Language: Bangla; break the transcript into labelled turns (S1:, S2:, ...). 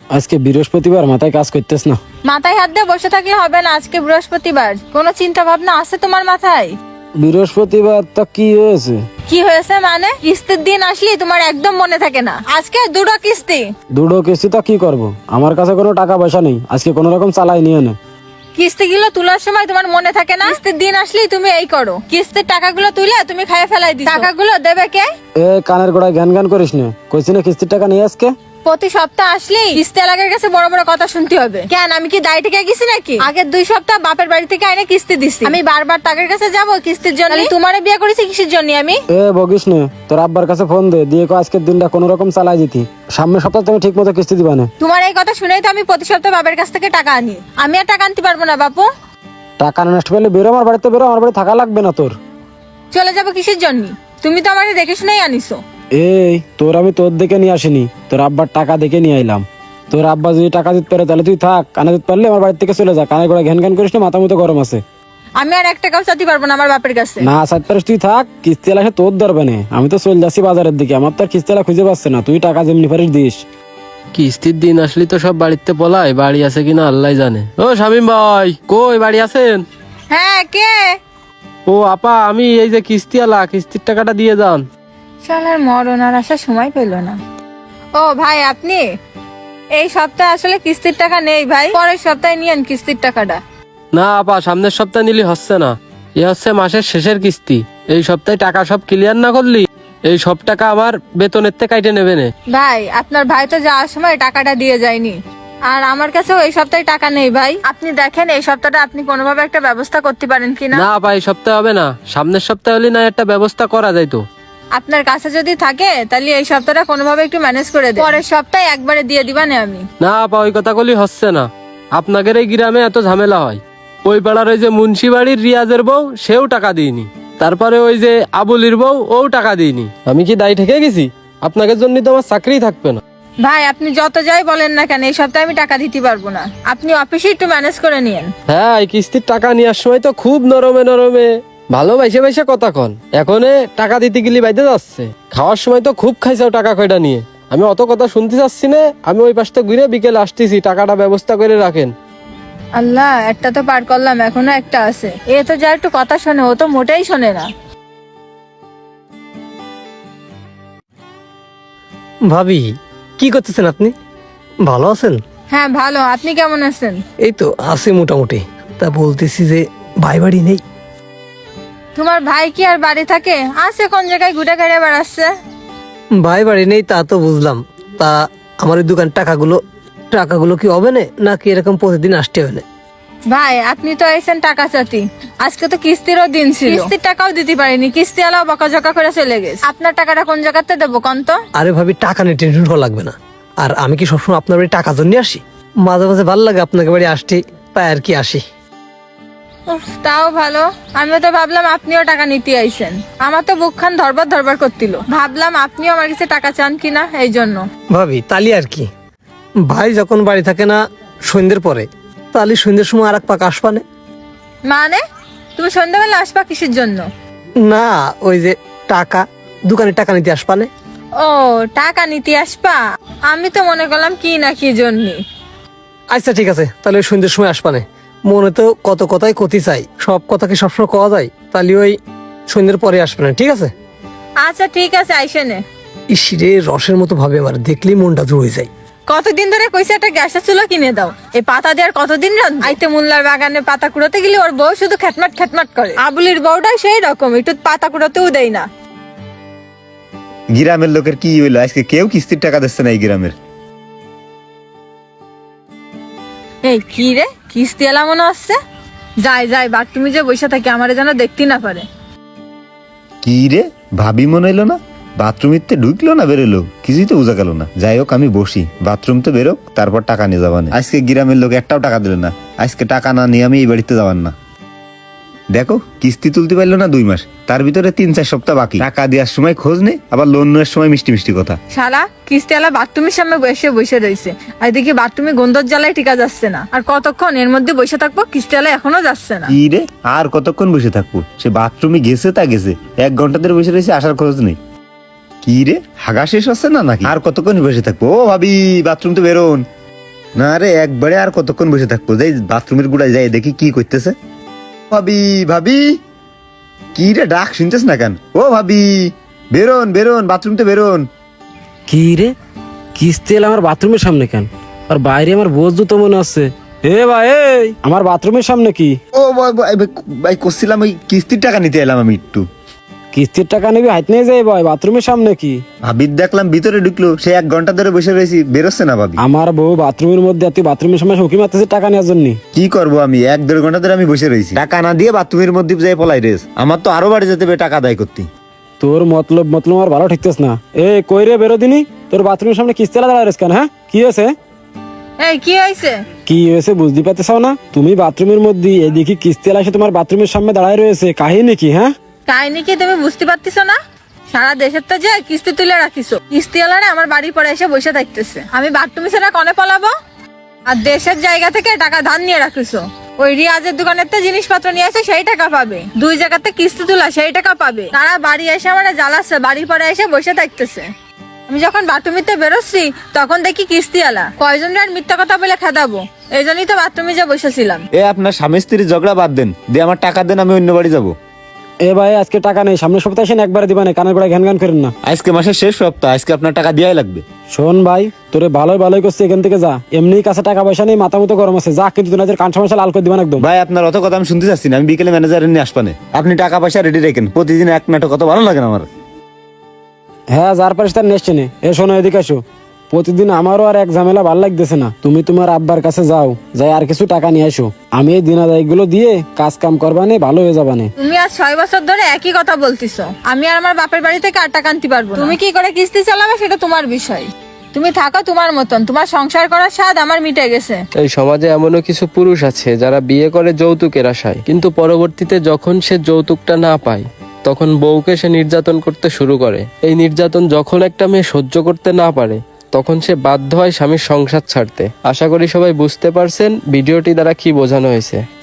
S1: আজকে বৃহস্পতিবার, মাথায় কাজ করতেছ না?
S2: মাথায় হাত দিয়ে বসে থাকলে হবে না, আজকে বৃহস্পতিবার। কোনো চিন্তা ভাবনা আছে তোমার মাথায়?
S1: বৃহস্পতিবার তা কি হয়েছে?
S2: কি হয়েছে মানে? কিস্তির দিন আসলি তোমার একদম মনে থাকে না। আজকে দুটো কিস্তি।
S1: দুটো কিস্তি তা কি করব? আমার কাছে কোনো টাকা পয়সা নেই, আজকে কোনো রকম চালাই নিয়ে নে।
S2: কিস্তিগুলো তোলার সময় তোমার মনে থাকে না? কিস্তির দিন আসলেই তুমি এই করো, কিস্তির টাকাগুলো তুলে তুমি খাইয়ে ফেলাই দিছো। টাকাগুলো দেবে কে?
S1: এ কানের গোড়ায় জ্ঞান জ্ঞান করিস না, কইছি না কিস্তির টাকা নিয়ে আজকে।
S2: প্রতি সপ্তাহ আসলেই কিস্তি এলাকার কাছে বড় বড় কথা শুনতে হবে কেন? আমি কি দায় থেকে গেছি নাকি? আগের 2 সপ্তাহ বাপের বাড়ি থেকে আইনে কিস্তি দিছি, আমি বারবার টাকার কাছে যাবো কিস্তির জন্য? তোমারে বিয়ে করেছি কিসের জন্য আমি?
S1: এ বকিস না, তোর আব্বার কাছে ফোন দে, দিয়ে কো আজকের দিনটা কোনো রকম চালাই দিতি, সামনের সপ্তাহে তুমি ঠিক মতো কিস্তি দিবা না।
S2: তোমার এই কথা শুনেই তো আমি প্রতি সপ্তাহ বাবার কাছ থেকে টাকা আনি। আমি আর টাকা আনতে পারবো না বাপু।
S1: টাকা নষ্ট পেলে বেরো আমার বাড়িতে, বেরো, আমার বাড়ি থাকা লাগবে না তোর।
S2: চলে যাবো কিসের জন্য? তুমি তো আমাকে দেখে শুনেই আনিছো।
S1: এই তোর আমি তোর দেখে নিয়ে আসিনি, তোর আব্বার টাকা দেখে নিয়ে আইলাম। তোর আব্বা যদি টাকা দিতে পারে তাহলে তুই থাক, কানে দিতে পারলে আমার বাড়ি থেকে চলে যা। কানে গোড়া ঘ্যান ঘ্যান করিস না, মাথা মতো গরম আছে।
S2: আমি আর 1 টাকাও চাইতে পারবো না আমার বাপের কাছে।
S1: না চাইতে পারিস তুই থাক, কিস্তি এলা তোর ধরবে না। আমি তো চলে যাচ্ছি বাজারের দিকে, আমার তো আর কিস্তি এলা খুঁজে পাচ্ছে না। তুই টাকা যেমনি পারিস দিস।
S3: কিস্তির দিন আসলি তো সব বাড়িতে পলাই, বাড়ি আছে কিনা আল্লাহ জানে। ও শামিম ভাই, কই বাড়ি আছেন?
S2: হ্যাঁ, কে?
S3: ও আপা, আমি এই যে কিস্তি আলা, কিস্তির টাকাটা দিয়ে যান।
S2: শালার মরণ আর আসার সময় পেল না। ও ভাই, আপনি? এই সপ্তাহে আসলে কিস্তির টাকা নেই ভাই, পরের সপ্তাহে নিয়েন কিস্তির টাকাটা।
S3: না আপা, সামনের সপ্তাহে নিলি হচ্ছে না, এ হচ্ছে মাসের শেষের কিস্তি। এই সপ্তাহে টাকা সব ক্লিয়ার না করলি এই সব টাকা আমার বেতনের থেকে কাইটে নেবে না।
S2: ভাই, আপনার ভাই তো যাওয়ার সময় টাকাটা দিয়ে যায়নি, আর আমার কাছেও এই সপ্তাহে টাকা নেই ভাই। আপনি দেখেন এই সপ্তাহটা আপনি কোনোভাবে একটা ব্যবস্থা করতে পারেন কিনা।
S3: না আপা, এই সপ্তাহে হবে না, সামনের সপ্তাহে হলে না একটা ব্যবস্থা করা যাইতো।
S2: আপনার কাছে যদি থাকে তাহলে এই সপ্তাহটা কোনোভাবে একটু ম্যানেজ করে দেন, পরের সপ্তাহে একবারে দিয়ে দিবা না আমি।
S3: না আপা, ওই কথা কলি হচ্ছে না। আপনাদের এই গ্রামে এত ঝামেলা হয়। ওই পাড়ার ওই যে মুন্সি বাড়ির রিয়াজের বউ, সেও টাকা দিইনি। তারপরে ওই যে আবুলির বউ, ও টাকা দিইনি। আমি কি দায়ী ঠেকে গেছি? আপনাদের জন্য তো আমার চাকরি থাকবে না।
S2: ভাই, আপনি যত যাই বলেন না কেন এই সপ্তাহে আমি টাকা দিতে পারবো না। আপনি অফিসে একটু ম্যানেজ করে নিয়েন।
S3: হ্যাঁ, এই কিস্তির টাকা নেওয়ার সময় তো খুব নরমে নরমে ভালো বাইসে বাইসে কথা কন, এখন টাকা দিতে গেলি বাইতে যাচ্ছে। খাওয়ার সময় তো খুব খাইছাও টাকা কয়টা নিয়ে। আমি অত কথা শুনতে চাচ্ছি না, আমি ওই পাশটা ঘুরে বিকেলে আসতেছি, টাকাটা ব্যবস্থা করে রাখেন।
S2: আল্লাহ, একটা তো পার করলাম, এখনো একটা আছে। এ তো যা একটু কথা শোনে, ও তো মোটেই শোনে না।
S4: ভাবি, কি করতেছেন আপনি? ভালো আছেন?
S2: হ্যাঁ ভালো, আপনি কেমন আছেন?
S4: এই তো আছি মোটামুটি। তা বলতেছি যে ভাই বাড়ি নেই?
S2: তোমার ভাই কি আর বাড়ি থাকে? আছে, কোন জায়গায় ঘুরে ঘুরে বেড়াচ্ছে।
S4: ভাই বাড়ি নেই তা তো বুঝলাম। তা আমার এই দোকান টাকাগুলো কি হবে না, নাকি এরকম প্রতিদিন আসতে হবে না?
S2: ভাই, আপনি তো এসেছেন টাকা চাতি, আজকে তো কিস্তিরও দিন ছিল, কিস্তির টাকাও দিতে পারিনি, কিস্তি আলাও বকাঝকা করে চলে গেছে। আপনার টাকাটা কোন জায়গাতে দেবো কোন তো?
S4: আরে ভাবি, টাকা নিয়ে টেনশন করা লাগবে না। আর আমি কি সবসময় আপনার বাড়ি টাকা জন্য আসি? মাঝে মাঝে ভালো লাগে আপনাকে বাড়ি আসতে, তাই আর কি আসি।
S2: উফ, তাও ভালো। আমিও তো ভাবলাম আপনিও টাকা নিতে আইছেন, আমার তো বুকখান ধরবার ধরবার করছিল, ভাবলাম আপনিও আমার কাছে টাকা চান কিনা, এই জন্য।
S4: ভাবি, তালি আর কি, ভাই যখন বাড়ি থাকে না সন্ধ্যের পরে, তাহলে সন্ধ্যের সময় আর এক পাক আসবানে।
S2: মানে তুমি সন্ধ্যাবেলা আসবা কিসের জন্য?
S4: না, ওই যে দোকানে টাকা নিতে আসবানে।
S2: ও, টাকা নিতে আসবা? আমি তো মনে করলাম কি না কি জন্য।
S4: আচ্ছা ঠিক আছে, তাহলে ওই সন্ধ্যের সময় আসবানে। মনে তো কত কথাই কতি চাই, সব কথা কি সবসময় কওয়া যায়? তাহলে ওই সন্ধ্যের পরে আসবে না, ঠিক আছে?
S2: আচ্ছা ঠিক আছে, আইসে নে।
S4: ইসিরে রসের মতো ভাবে আমার দেখলেই মনটা জুড়ে যায়।
S2: কতদিন ধরে কইছে একটা গ্যাসের চুলো কিনে দাও, এই পাতা দেওয়ার কতদিন রান্ধবো? আইতে মোল্লার বাগানে পাতা কুড়োতে গেলে ওর বউ শুধু খ্যাটমাট খ্যাটমাট করে। আবুলির বউটা সেই রকম, একটু পাতা কুড়োতেও দেয় না।
S5: গ্রামের লোকের কি হইলো, আজকে কেউ কিস্তির টাকা দিচ্ছে না এই গ্রামের।
S2: এই কি রে, কিস্তি এলা মনে হচ্ছে। যাই যাই, বাথরুমে যে বসে থাকি, আমারে যেন দেখতে না পারে।
S5: কি রে, ভাবি মনে হইলো না? বাথরুমিতে ঢুকলো না বেরোলো, কিছুই তো বোঝা গেল না। যাই হোক, আমি বসি, বাথরুম তো বেরোক, তারপর টাকা নিয়ে যাবান। আজকে গ্রামের লোক একটাও টাকা দিল না, আজকে টাকা না নিয়ে আমি এই বাড়িতে যাবান না। দেখো, কিস্তি তুলতে পারলো না 2 মাস, তার ভিতরে 3-4 সপ্তাহ বাকি। টাকা দেওয়ার সময় খোঁজ নেই, আবার লোন নেওয়ার সময় মিষ্টি মিষ্টি কথা।
S2: শালা কিস্তি এলা বাথরুমের সামনে বসে বসে রয়েছে, আর দেখি বাথরুমে গন্ধর জ্বালায় টিকা যাচ্ছে না। আর কতক্ষণ এর মধ্যে বসে থাকবো? কিস্তি এলা এখনো যাচ্ছে না।
S5: কি রে, আর কতক্ষণ বসে থাকবো? সে বাথরুমে গেছে তা গেছে, 1 ঘন্টা ধরে বসে রয়েছে, আসার খোঁজ নেই। কি রে, হাগা শেষ হচ্ছে না নাকি? আর কতক্ষণ বসে থাকবো? ও ভাবি, বাথরুম তো বেরোন। না রে, একবারে আর কতক্ষণ বসে থাকবো, যাই বাথরুমের গুড়ায় যাই দেখি কি করতেছে। ভাবি, ভাবি, কি রে ডাক শুনতেছ না কেন? ও ভাবি, বেরোন বেরোন, বাথরুমতে বেরোন।
S1: কি রে, কিস্তি এলে আমার বাথরুমের সামনে কেন? আর বাইরে আমার বোঝ তো মনে আছে। এ ভাই, এই আমার বাথরুমের সামনে কি?
S5: ও ভাই করছিলাম, ওই কিস্তির টাকা নিতে এলাম আমি একটু।
S1: কিস্তির টাকা নিবি, হাইট নিয়ে যাই ভাই, বাথরুমের সামনে কি?
S5: ভাবির দেখলাম ভিতরে ঢুকলো, সে 1 ঘন্টা ধরে বসে রয়েছি, বেরোচ্ছে না ভাবি।
S1: আমার বউ বাথরুমের মধ্যে, আর তুই বাথরুমের সামনে উকি মারতেছিস টাকা নেওয়ার জন্য?
S5: কি করবো আমি, 1-1.5 ঘন্টা ধরে আমি বসে রয়েছি, টাকা না দিয়ে বাথরুমের মধ্যে যাই পলাই রেস। আমার তো আরো বাড়ি যেতে হবে টাকা আদায় করতে।
S1: তোর মতলব আমার ভালো ঠিকতেছ না। এ কই রে, বেরো দিনি। তোর বাথরুমের সামনে কিস্তি এলা দাঁড়ায় কেন? হ্যাঁ, কি হয়েছে?
S2: এই কি হয়েছে?
S1: কি হয়েছে বুঝতে পারতেছ না? তুমি বাথরুমের মধ্যে, এদিকে কিস্তি এলা এসে তোমার বাথরুমের সামনে দাঁড়ায় রয়েছে, কাহিনী কি? হ্যাঁ,
S2: কাহিনী কি তুমি বুঝতে পারতেছো না? সারা দেশের তো যে কিস্তি তুলে রাখিছো, কিস্তিওয়ালারা আমার বাড়ির পরে এসে বসে থাকতেছে। আমি বাথরুমে সেটা কনে পালাবো? আর দেশের জায়গা থেকে টাকা ধার নিয়ে রাখিছো। ওই রিয়াজের দোকানের তো জিনিসপত্র নিয়ে আসে, সেই টাকা পাবে। 2 জায়গাতে কিস্তি তোলা, সেই টাকা পাবে। তারা বাড়ি এসে আমার জ্বালাচ্ছে, বাড়ির পরে এসে বসে থাকতেছে। আমি যখন বাথরুমিতে বেরোচ্ছি তখন দেখি কিস্তিওয়ালা। কয়জন আর মিথ্যা কথা বলে খেদাবো, এই জন্যই তো বাথরুমে যে বসেছিলাম।
S5: এ আপনার স্বামী স্ত্রীর ঝগড়া বাদ দেন, দিয়ে আমার টাকা দেন, আমি অন্য বাড়ি যাবো।
S1: এ ভাই, আজকে টাকা নেই, সামনের সপ্তাহে এসে একবারে দিবা না, কানের গোড়ায় ঘ্যান ঘ্যান করেন না।
S5: আজকে মাসের শেষ সপ্তাহ, আজকে আপনার টাকা দেওয়াই লাগবে।
S1: শোন ভাই, তোরে ভালোই করছি, এখান থেকে যা। এমনি কাছে টাকা পয়সা নেই, মাথা মতো গরম আছে, যা। কিন্তু তোর কান সমস্যা লাল করে দিবা না একদম।
S5: ভাই আপনার অত কথা আমি শুনতে চাচ্ছি না, আমি বিকেলে ম্যানেজারের নিয়ে আসবানে। আপনি টাকা পয়সা রেডি রেখেন, প্রতিদিন 1 নাটক, কত ভালো লাগে না আমার।
S1: হ্যাঁ, যার পারিস তার নেসছে নে। এ শোনো, এদিকে আসো। প্রতিদিন আমারও আর এক ঝামেলা ভাল লাগতেছে না। তুমি তোমার আব্বার কাছে যাও, যাই আর কিছু টাকা নিয়ে আসো। আমি এই দিনাদায়গুলো দিয়ে কাজ কাম করবানে, ভালো হয়ে যাবানে।
S2: তুমি আজ 6 বছর ধরে একই কথা বলতিছো। আমি আর আমার বাপের বাড়ি থেকে আর টাকা আনতে পারবো না। তুমি কি করে কিস্তি চালাবে সেটা তোমার বিষয়। তুমি থাকো তোমার মতন, তোমার সংসার করার স্বাদ আমার মিটে গেছে।
S3: এই সমাজে এমনও কিছু পুরুষ আছে যারা বিয়ে করে যৌতুকের আশায়, কিন্তু পরবর্তীতে যখন সে যৌতুকটা না পায় তখন বউকে সে নির্যাতন করতে শুরু করে। এই নির্যাতন যখন একটা মেয়ে সহ্য করতে না পারে তখন সে বাধ্য হয় স্বামীর সংসার ছাড়তে। আশা করি সবাই বুঝতে পারছেন ভিডিওটি দ্বারা কি বোঝানো হয়েছে।